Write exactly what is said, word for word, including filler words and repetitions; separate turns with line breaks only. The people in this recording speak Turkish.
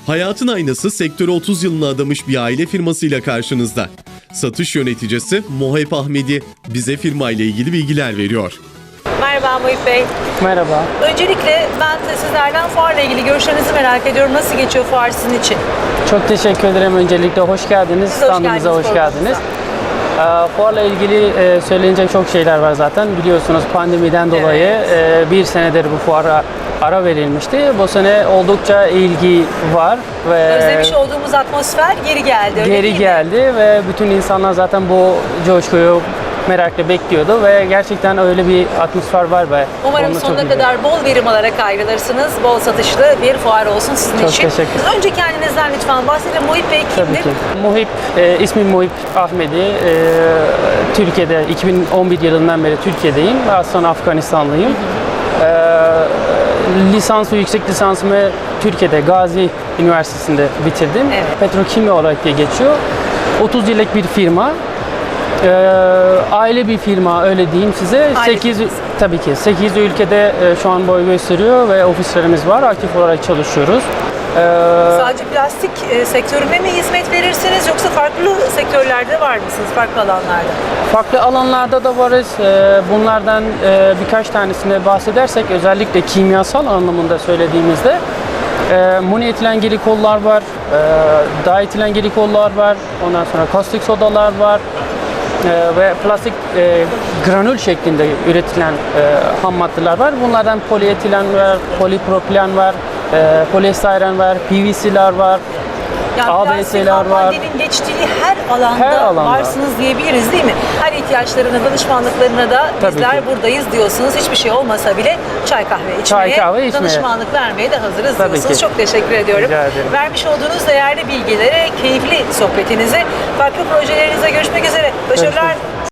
Hayatın aynası sektöre otuz yılını adamış bir aile firmasıyla karşınızda. Satış yöneticisi Muhip Ahmedi bize firma ile ilgili bilgiler veriyor.
Merhaba Muhip Bey.
Merhaba.
Öncelikle ben de sizlerden fuarla ilgili görüşlerinizi merak ediyorum. Nasıl geçiyor fuar sizin için?
Çok teşekkür ederim. Öncelikle hoş geldiniz.
Siz hoş
Standımıza
geldiniz
hoş geldiniz. Ee, Fuarla ilgili e, söylenecek çok şeyler var zaten. Biliyorsunuz pandemiden dolayı
Evet.
e, bir senedir bu fuara ara verilmişti. Bu sene oldukça ilgi var ve
Özlemiş olduğumuz atmosfer geri geldi. Öyle
geri
değil mi?
geldi ve bütün insanlar zaten bu coşkuyu merakla bekliyordu ve gerçekten öyle bir atmosfer var ve
Umarım
onu çok
sonuna
iyi.
kadar bol verim alarak ayrılırsınız. Bol satışlı bir fuar olsun sizin
Çok
için.
teşekkür ederim.
Önce kendinizden lütfen bahsedin. Muhip Bey kimdir?
Tabii ki. Muhip, e, ismim Muhip Ahmedi. E, Türkiye'de iki bin on bir yılından beri Türkiye'deyim. Aslında Afganistanlıyım. E, lisans ve yüksek lisansımı Türkiye'de Gazi Üniversitesi'nde bitirdim.
Evet.
Petrokimya olarak diye geçiyor. otuz yıllık bir firma. E, aile bir firma öyle diyeyim size.
Aile
sekiz
firması.
tabii ki sekiz ülkede e, şu an boy gösteriyor ve ofislerimiz var. Aktif olarak çalışıyoruz. E,
Sadece plastik e, sektörüne mi hizmet verirsiniz yoksa farklı sektörlerde var mısınız? Farklı alanlarda?
Farklı alanlarda da varız. Ee, Bunlardan e, birkaç tanesine bahsedersek özellikle kimyasal anlamında söylediğimizde e, monoetilen glikollar var, e, dietilen glikollar var, ondan sonra kaustik sodalar var e, ve plastik e, granül şeklinde üretilen e, ham maddeler var. Bunlardan polietilen var, polipropilen var, e, poliestiren var, P V C'ler var.
Yani
A B
plastik
S'ler
ham
var.
maddenin geçtiği her alanda,
Her alanda.
varsınız diyebiliriz değil mi? Her ihtiyaçlarına, danışmanlıklarına da
Tabii
bizler
ki.
buradayız diyorsunuz. Hiçbir şey olmasa bile çay kahve içmeye,
Çay, kahve içmeye.
danışmanlık vermeye de hazırız
Tabii
diyorsunuz.
ki.
Çok teşekkür ediyorum.
Rica ederim.
Vermiş olduğunuz değerli bilgilere, keyifli sohbetinize, farklı projelerinize görüşmek üzere. Başarılar.
Görüşmek